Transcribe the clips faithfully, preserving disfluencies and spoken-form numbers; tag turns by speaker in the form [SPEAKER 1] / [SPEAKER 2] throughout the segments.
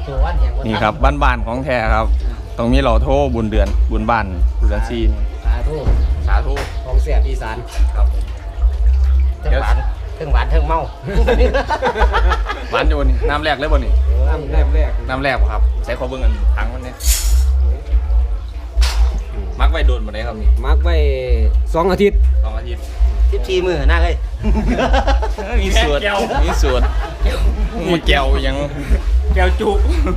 [SPEAKER 1] ตัววันแห่งวัน
[SPEAKER 2] นี่ครับบ้านๆของแท้ครับตรงนี้เราโทรบุญเดือนบุญบ้านบุญเดือนซีน
[SPEAKER 1] สาธุ
[SPEAKER 2] สาธุ
[SPEAKER 1] ของเสียอีสาน
[SPEAKER 2] ครับ
[SPEAKER 1] เทิงหวานเทิงหวานเทิงเมา
[SPEAKER 2] หวานอยู่นี่น้ำแรกเลยบ่นี่
[SPEAKER 1] น้ำแรกแรก
[SPEAKER 2] น้ำแรกบ่ครับใช้ขอเบิ่งกันทั้งมันเนี่ยมักไว้โดนบ่ได้ครับนี่
[SPEAKER 1] มักไว้สองอาทิตย์
[SPEAKER 2] สองอาทิตย์
[SPEAKER 1] สิบสี่มื้อหน้าเลย
[SPEAKER 2] มีส่วนมีส่วนมีแก้วยัง
[SPEAKER 3] แก้วจุ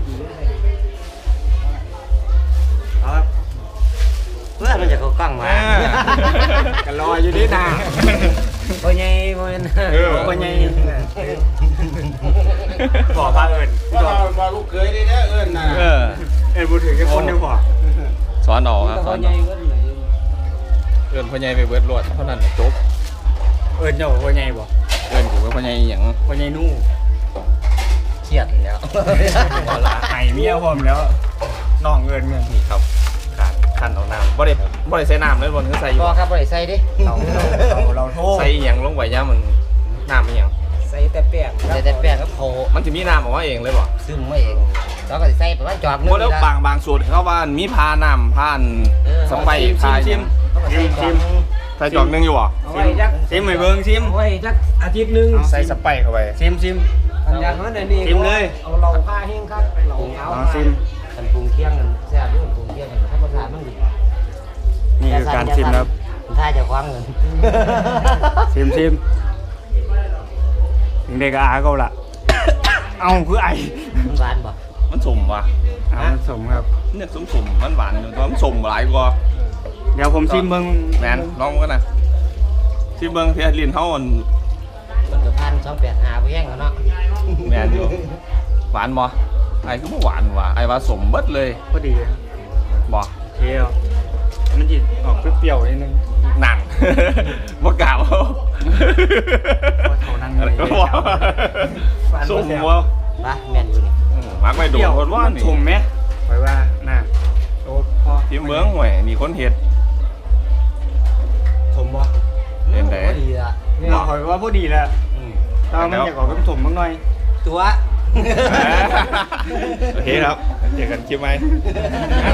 [SPEAKER 1] ครับเพื่อนมันจะเข้ากล้องมา
[SPEAKER 3] กันรออยู่นี่นา
[SPEAKER 1] พ่อใหญ่พ่อใหญ่
[SPEAKER 3] พ่อใหญ่บอกพาเอิญ
[SPEAKER 4] ว่าว่าลูกเคยได้เด้อเอิ้นน่ะ
[SPEAKER 2] เออ
[SPEAKER 3] เอิญพูดถึงแค่คนเดียวพอ
[SPEAKER 2] สอนออกครับส
[SPEAKER 1] พ่
[SPEAKER 2] อ
[SPEAKER 1] อน ให
[SPEAKER 2] อ
[SPEAKER 1] ญ่
[SPEAKER 2] อก
[SPEAKER 1] เพิ่นเลย
[SPEAKER 2] เอิ้นพ่อใหญ่ไปเบิดรวดเท่านั้นแหละจบ
[SPEAKER 3] เอิญเจ้าพ่อใหญ่บอก
[SPEAKER 2] เอิ้นกูก็พ่อใหญ่หยัง
[SPEAKER 3] พ่อใหญ่นู่
[SPEAKER 1] เครียดแล้ว
[SPEAKER 3] บ่ละไห้เมียพร้อมแล้วน้องเอิญเงิน
[SPEAKER 2] นี่ครับการขั้นเอาน้ำบ่ได้บ่ได้ใส่น้ำเลยบ่คือใส่อยู่
[SPEAKER 1] บ่ครับบ่ได้ใส่ดิ
[SPEAKER 3] เราเราเราโทษ
[SPEAKER 2] ใส่อีหยังลงไปย่ามันน้ำอีหยัง
[SPEAKER 3] ใส่แต่แป้ง
[SPEAKER 1] ใส่แต่แป้งกับโค
[SPEAKER 2] มันจะมีน้ำออกมาเองเลยบ่
[SPEAKER 1] ซึ่งไม่เองเราก็สิใส่ประมาณจอกหนึง
[SPEAKER 2] โอ้แล้วบางบางสูตรเขาว่ามีพาน้ำพานสไปพาหยัง
[SPEAKER 1] ชิมชิม
[SPEAKER 2] ใส่จอกหนึงอยู่บ่
[SPEAKER 3] เอาไว้จักซิมให้เบิ่งซิม
[SPEAKER 1] ไว้จักอาทิตย์หนึง
[SPEAKER 2] ใส่สไปเข้าไป
[SPEAKER 3] ซิมซิม
[SPEAKER 1] อันอย่างนั้นอันนี้
[SPEAKER 3] ชิมเลย
[SPEAKER 1] เอาเราผ้าแห้งครับเราเอา
[SPEAKER 3] อ๋อชิม
[SPEAKER 1] กันปรุงเคี่ยงกันแซ่บด้วยปรุงเคี่ยงกันถ้าภาษามันดี
[SPEAKER 3] นี่คือการซิมครับ
[SPEAKER 1] ถ้าจะคว้างเงิน
[SPEAKER 3] ซิมซิมถึงเด็กอาเขาละเอาคือไอ
[SPEAKER 1] มันหวานบ่
[SPEAKER 2] มันสมว่ะ
[SPEAKER 3] เอามันสมครับ
[SPEAKER 2] เนี่ยสมสมมันหวานอยู่แต่ว่ามันสมหลายกว่า
[SPEAKER 3] เดี๋ยวผมซิมเบิ่ง
[SPEAKER 2] แมนลองกันนะที่เบิ่งเพียลินเฮามัน
[SPEAKER 1] มันก็พันสองแปดห้าไปแห้งกันเนาะ
[SPEAKER 2] แมนอยู่หวานบ่ไอ้คือบ่หวานว่ะไอ้ว่าสมเบิดเลย
[SPEAKER 3] พอดี
[SPEAKER 2] บ่
[SPEAKER 3] เคี้ยวมันจิออกเปรี้ยวๆนิดนึง
[SPEAKER 2] หนัง บ่กล่าว
[SPEAKER 3] ว่าเท่านั้นเลย
[SPEAKER 2] ก็บ่สมบ่
[SPEAKER 1] ปะแม่นอยู่นี่
[SPEAKER 2] อืมมักไปโดนคนว่านี่
[SPEAKER 3] ชมไหมไว้ว่าน่ะโอ้พอ
[SPEAKER 2] ที่เมืองห่วยนี่คนเฮ็ด
[SPEAKER 3] ชมบ่
[SPEAKER 2] เห็นได้
[SPEAKER 1] พอดีละ
[SPEAKER 3] เนี่ยหอยว่าพอดีแล้ว
[SPEAKER 1] อืม
[SPEAKER 3] แตอนมันอยากออกเป็นสมบ้างหน่อย
[SPEAKER 1] ตัว
[SPEAKER 2] โอเคครับเจอกันคลิปไหม